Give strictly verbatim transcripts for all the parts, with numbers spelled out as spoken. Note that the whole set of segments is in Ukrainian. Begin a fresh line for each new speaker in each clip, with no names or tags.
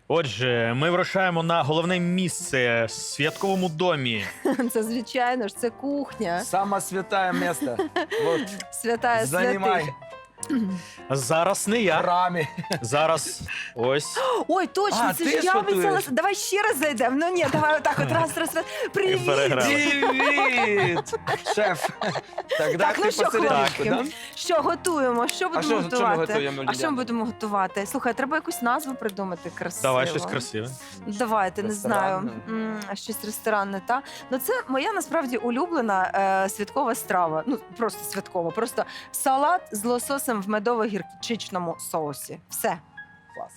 Отже, ми вирушаємо на головне місце в святковому домі.
Це, звичайно ж, це кухня.
Самое святое место. Вот,
Святая
занимай
святих.
Зараз не я.
рами.
Зараз ось.
Ой, точно,
А,
це
ти
ж
ж
я
готуєш?
обіцяла. Давай ще раз зайдемо. Ну ні, давай отак от раз, раз, раз. Привіт!
переграли.
Привет, шеф. Тогда
Так, ну
ты
що,
посерединку,
хлопці,
да?
що готуємо? Що будемо
що- що ми
готувати?
готуємо,
а що
Ліляна?
ми будемо готувати? Слухай, треба якусь назву придумати красиво.
Давай щось красиве.
Давайте, не знаю.
Ресторанне.
М, щось ресторанне, та? Ну це моя насправді улюблена е, святкова страва. Ну, просто святкова. Просто салат з лососем в медово-гірчичному соусі. Все.
Класс.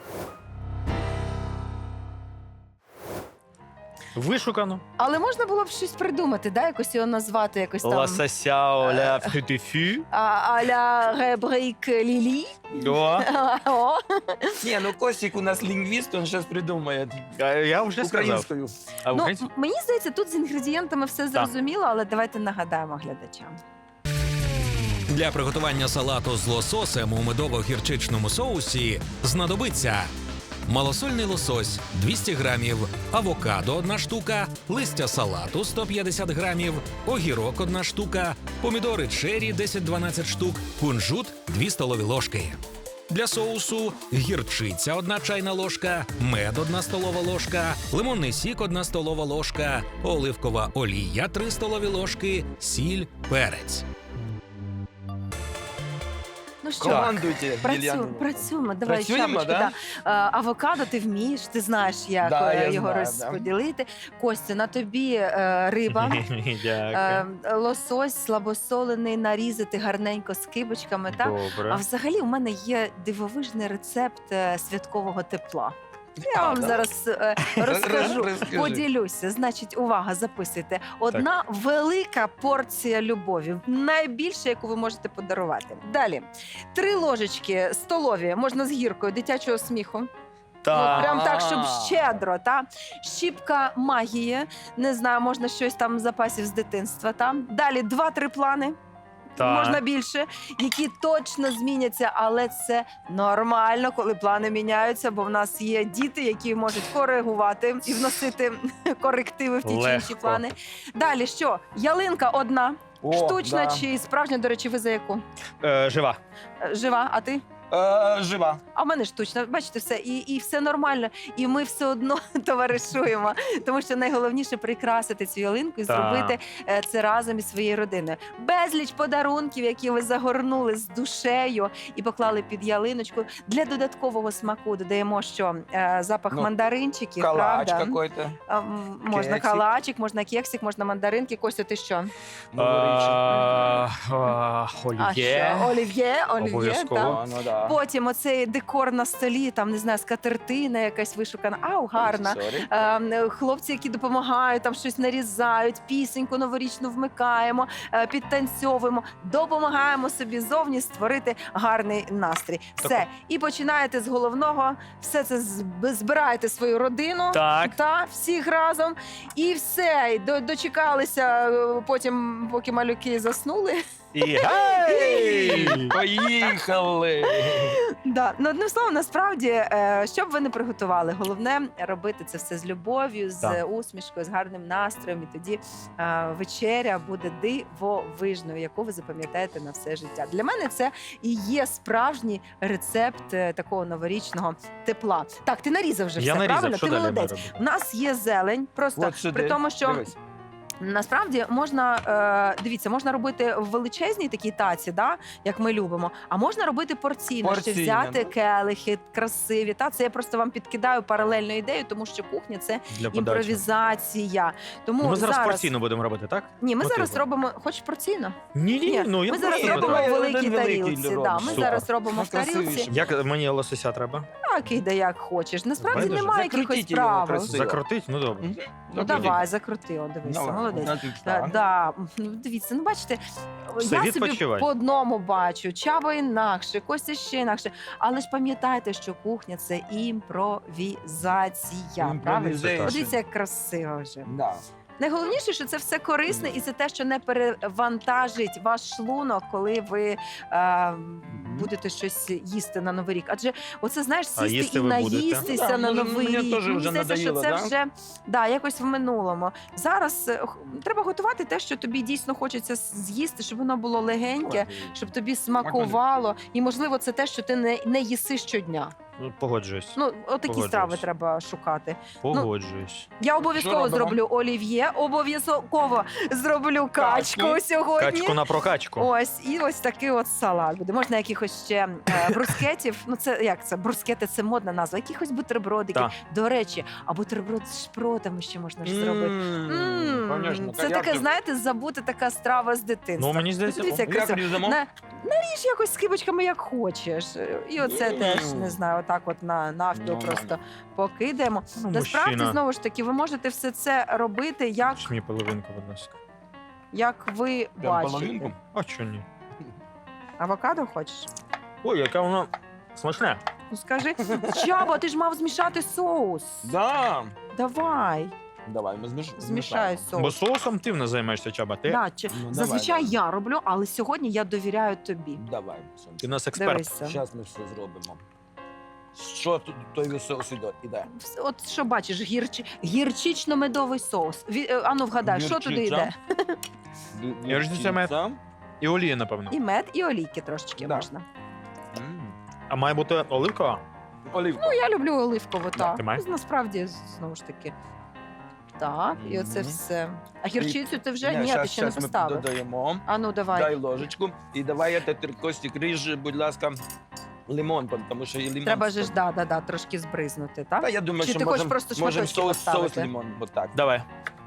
Вишукано.
Але можна було б щось придумати, да? Якось його назвати, якось там.
Ласася ля фритюфю.
А, а-ля ребрейк лілі.
О,
О.
Не, ну Костик у нас лингвист, он сейчас придумает
а я вже сказав.
украинскую.
А
Ну,
українською?
м- мені здається, тут з інгредієнтами все зрозуміло, але давайте нагадаємо глядачам.
Для приготування салату з лососем у медово-гірчичному соусі знадобиться малосольний лосось двісті грамів, авокадо одна штука, листя салату сто п'ятдесят грамів, огірок одна штука, помідори черрі десять-дванадцять штук, кунжут дві столові ложки. Для соусу гірчиця одна чайна ложка, мед одна столова ложка, лимонний сік одна столова ложка, оливкова олія три столові ложки, сіль, перець.
Ну що,
Командуйте,
працюємо,
Лiliana.
працюємо. Давай,
Працюємо,
шапочки.
да?
Да. Е, Авокадо ти вмієш, ти знаєш, як
Да,
е,
я
його
знаю,
розподілити. Костя, на тобі е, риба. Е,
Дякую.
лосось слабосолений, нарізати гарненько з кибочками. Та? А
Добре.
взагалі у мене є дивовижний рецепт е, святкового тепла. Я
А,
вам
да?
зараз е, розкажу,
Розкажи.
поділюся. Значить, увага, записуйте. Одна велика порція любові, найбільша, яку ви можете подарувати. Далі, три ложечки столові, можна з гіркою, дитячого сміху.
Так.
Ну, прям так, щоб
А.
щедро, та щіпка магії. Не знаю, можна щось там з запасів з дитинства. Та далі два-три плани.
Так.
Можна більше, які точно зміняться, але це нормально, коли плани міняються, бо в нас є діти, які можуть коригувати і вносити корективи в ті чи інші
Легко.
плани. Далі що? Ялинка одна,
О,
штучна
да.
чи справжня, до речі, ви за яку?
Е, жива.
Е, Жива, а ти?
Э, жива.
А в мене штучна, бачите, все, і, і все нормально, і ми все одно товаришуємо. Тому що найголовніше прикрасити цю ялинку і
Так.
зробити е, це разом із своєю родиною. Безліч подарунків, які ви загорнули з душею і поклали під ялиночку. Для додаткового смаку додаємо, що е, запах
Ну,
мандаринчиків,
Калач
правда?
какой-то.
А, м, можна
Кексик.
калачик, можна кексик, можна мандаринки. Костя, ти що?
Новорічний.
А, а,
А
Олів'є.
що? Олів'є, олів'є,
Обов'язково.
так.
А, ну да.
Потім оцей декор на столі, там, не знаю, скатертина якась вишукана. Ау, гарна.
Sorry.
Е, Хлопці, які допомагають, там щось нарізають, пісеньку новорічну вмикаємо, е, підтанцьовуємо, допомагаємо собі зовні створити гарний настрій. Все. І починаєте з головного, все це зб- збираєте свою родину.
Так.
Та всіх разом, і все, і до- дочекалися е, потім, поки малюки заснули.
І гей!
Поїхали!
Да. Ну, одним словом, насправді, е, що б ви не приготували, головне робити це все з любов'ю, з
Так.
усмішкою, з гарним настроєм. І тоді е, вечеря буде дивовижною, яку ви запам'ятаєте на все життя. Для мене це і є справжній рецепт е, такого новорічного тепла. Так, ти нарізав вже
Я
все,
нарізав,
правильно?
що
Ти
далі
молодець.
маю робити?
У нас є зелень, просто
От сюди.
при тому, що
Дивись.
насправді можна, е, дивіться, можна робити в величезній такій таці, да, як ми любимо, а можна робити порційно, ще
Порційно,
взяти
ну.
келихи красиві. Та, це я просто вам підкидаю паралельну ідею, тому що кухня це
Для подачі.
імпровізація. Тому
Ну, ми зараз,
зараз
порційно будемо робити, так?
Ні, ми
Ну,
зараз
типу.
робимо, хочеш порційно?
Ні, ні,
Ні,
ну я
ми зараз
просто
робимо
давай
в
один
великій
великий
тарілці.
робимо.
Да, ми
Супер.
зараз робимо в тарілці.
Найкрасивіше.
Як мені лосося треба?
Так, іде як хочеш. Насправді
Байдуже.
немає якихось
Закрутіть його
правил.
красиво.
Закрутить? Ну добре.
Мгм.
Ну
Добре.
давай, закрути, о, дивися,
Давай,
молодець.
значить,
Да,
так.
да. Ну, дивіться, ну бачите,
Все,
я собі
відпочивай.
по одному бачу, Чаба інакше, Костя ще інакше. Але ж пам'ятайте, що кухня це імпровізація. Правильно?
Improvisation.
Подивіться, як красиво вже.
Да.
Найголовніше, що це все корисне, і це те, що не перевантажить ваш шлунок, коли ви е, будете щось їсти на Новий рік. Адже оце, знаєш,
А
сісти
їсти
і
ви будете?
наїстися
Да,
на
може,
Новий
мені
рік.
теж
Мені
вже
здається, що
надоїло,
це
да?
вже да, якось в минулому. Зараз е, х- треба готувати те, що тобі дійсно хочеться з'їсти, щоб воно було легеньке, щоб тобі смакувало. І, можливо, це те, що ти не, не їси щодня.
Ну, погоджуюсь.
Ну, отакі
Погоджуюсь.
страви треба шукати.
Погоджуюсь.
Я обов'язково
робимо?
зроблю олів'є, обов'язково зроблю качку,
Качку.
сьогодні.
Качку на прокачку.
Ось, і ось такий от салат буде. Можна якихось ще е, брускетів. Ну, це як це? Брускети це модна назва. Якихось бутербродики.
Так.
До речі, а бутерброд з шпротами ще можна ж зробити. М,
Конечно.
Це таке, знаєте, забути така страва з дитинства.
Ну, мені здається,
Дивіться, як
Як
красиво.
різамо?
На, наріж якось з кибочками, як хочеш. І оце
Мм.
теж, не знаю, отак от на навпіл
Нормально.
просто покидаємо.
Ну,
Насправді,
мужчина.
знову ж таки, ви можете все це робити, як,
Ж мені половинку, будь ласка.
як ви
Прям
бачите.
половинку?
А чого ні?
Авокадо хочеш?
Ой, яке воно смачне.
Ну скажи, Чаба, ти ж мав змішати соус.
Да.
Давай,
Давай, ми зміш...
змішай
Бо
соус.
соусом ти не займаєшся, Чаба. Ти,
Да, чи-
Ну, давай,
Зазвичай
давай.
я роблю, але сьогодні я довіряю тобі.
Давай,
ти у нас експерт.
Дивися.
Зараз ми все зробимо. Що тут той соус іде? іде?
Вс- От що бачиш, гірчи... гірчично-медовий соус. Ві... е, Ану, вгадай, що туди
Гірчиця.
йде?
Я ж це мед.
Гірчиця.
І олія, напевно.
І мед, і олійки трошечки
Да.
можна.
М.
А має бути оливкова?
Оливка.
Ну, я люблю оливкову, так.
ти маєш?
Насправді, знову ж таки. Так, і оце
Мгм.
все. А гірчицю ти вже?
Ні,
Ні, ти
щас-
ще не
щас ми
поставив.
додаємо.
Ану, давай.
Дай ложечку. І давай я тепер, Костік, ріж, будь ласка, лимон, тому що і лимон...
Треба же ж, да, да, да, трошки збризнути, так?
Та я думаю,
Чи
що
ти хочеш
можемо
просто
можем
шматочки
соус, соус
поставити?
лимон. Вот так.
Давай.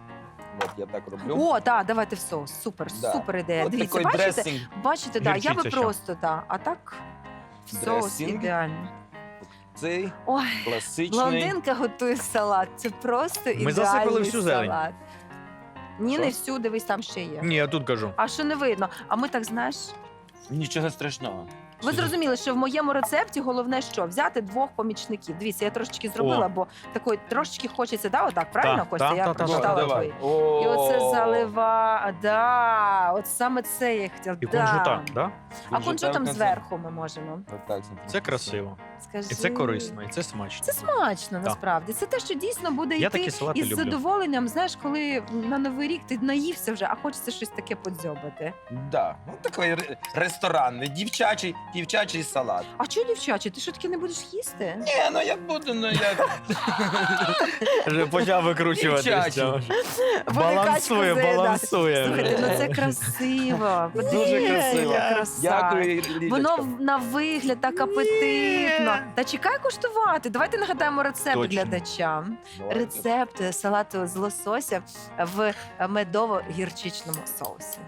От я так роблю.
О, так, давайте в соус. Супер,
Да.
супер ідея.
От
Дивіться,
такий
бачите?
дресинг.
Бачите, да, я би
Гірчиця ще.
просто, да. А так в соус
Дресинг.
ідеально.
Цей
Ой,
класичний.
блондинка готує салат. Це просто ідеальний
засипали всю зелень.
салат. Ні,
Що?
не всю, дивись, там ще є.
Ні, я тут кажу.
А що не видно? А ми так, знаєш,
Нічого страшного.
ви зрозуміли, що в моєму рецепті головне що? Взяти двох помічників. Дивіться, я трошечки зробила,
О.
бо такої трошечки хочеться, да, отак, правильно,
Та,
Костя?
та,
Я
та, та,
прочитала
та.
твої.
О,
І оце залива, да, от саме це я хотіла.
І
да.
кунжута, да?
А кунжутом
так,
зверху ми можемо.
от так, смотри.
Це красиво.
Скажи.
І це корисно, і це смачно.
Це смачно, насправді. Це те, що дійсно буде
Я
йти
такі салати
із
люблю.
задоволенням. Знаєш, коли на Новий рік ти наївся вже, а хочеться щось таке подзьобати.
Да. Ну, такий ре- ресторанний, дівчачий, дівчачий салат.
А чого, дівчачі, ти що таки не будеш їсти?
Ні, ну я буду, ну я...
Вже почав викручуватися.
Дівчачий.
Буде
Балансує,
качку заїдати.
балансує.
Слухайте, ну це красиво.
Дуже
Подивіться,
красиво.
яка краса.
Дякую, Лідочка.
Воно в- на вигляд так апетитно. Та чекай куштувати. Давайте нагадаємо рецепт
Точно.
глядачам.
Давайте.
Рецепт салату з лосося в медово-гірчичному соусі.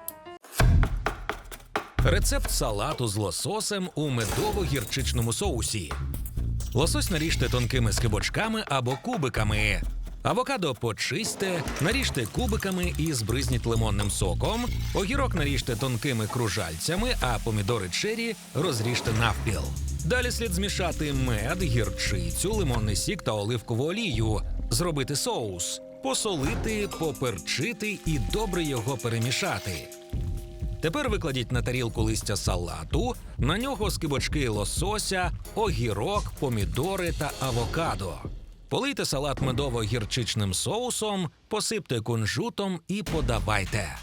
Рецепт салату з лососем у медово-гірчичному соусі. Лосось наріжте тонкими скибочками або кубиками. Авокадо почисьте, наріжте кубиками і збризніть лимонним соком. Огірок наріжте тонкими кружальцями, а помідори чері розріжте навпіл. Далі слід змішати мед, гірчицю, лимонний сік та оливкову олію, зробити соус, посолити, поперчити і добре його перемішати. Тепер викладіть на тарілку листя салату, на нього скибочки лосося, огірок, помідори та авокадо. Полийте салат медово-гірчичним соусом, посипте кунжутом і подавайте.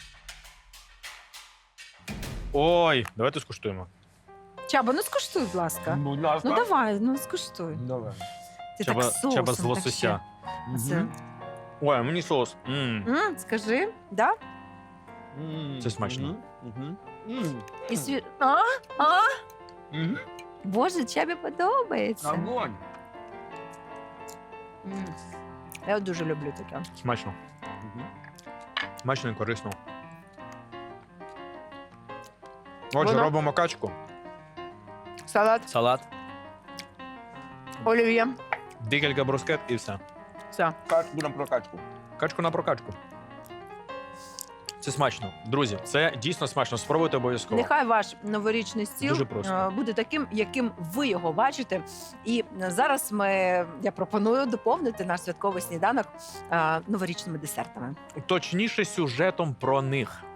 Ой, давайте скуштуємо.
Чаба, ну скуштуй, будь ласка.
Будь ласка.
Ну давай, ну скуштуй.
Давай.
Ти
Чаба,
так соусом,
чаба з
так
лосося.
ще. Це-
Мгм.
Ой, а мені соус. М.
М, скажи, да?
М,
Це смачно.
мгм, мгм. М,
І сві... А? А?
мгм.
Боже, Чабі подобається.
Огонь.
М. Я дуже люблю таке.
Смачно.
Мгм.
Смачно і корисно. Отже,
Воно-
робимо качку.
Салат,
Салат.
олів'є.
Декілька брускет і все.
Все.
Качку на прокачку.
Качку на прокачку. Це смачно. Друзі, це дійсно смачно. Спробуйте обов'язково.
Нехай ваш новорічний стіл
Дуже просто.
е, буде таким, яким ви його бачите. І зараз ми, я пропоную доповнити наш святковий сніданок е, новорічними десертами.
Точніше, сюжетом про них.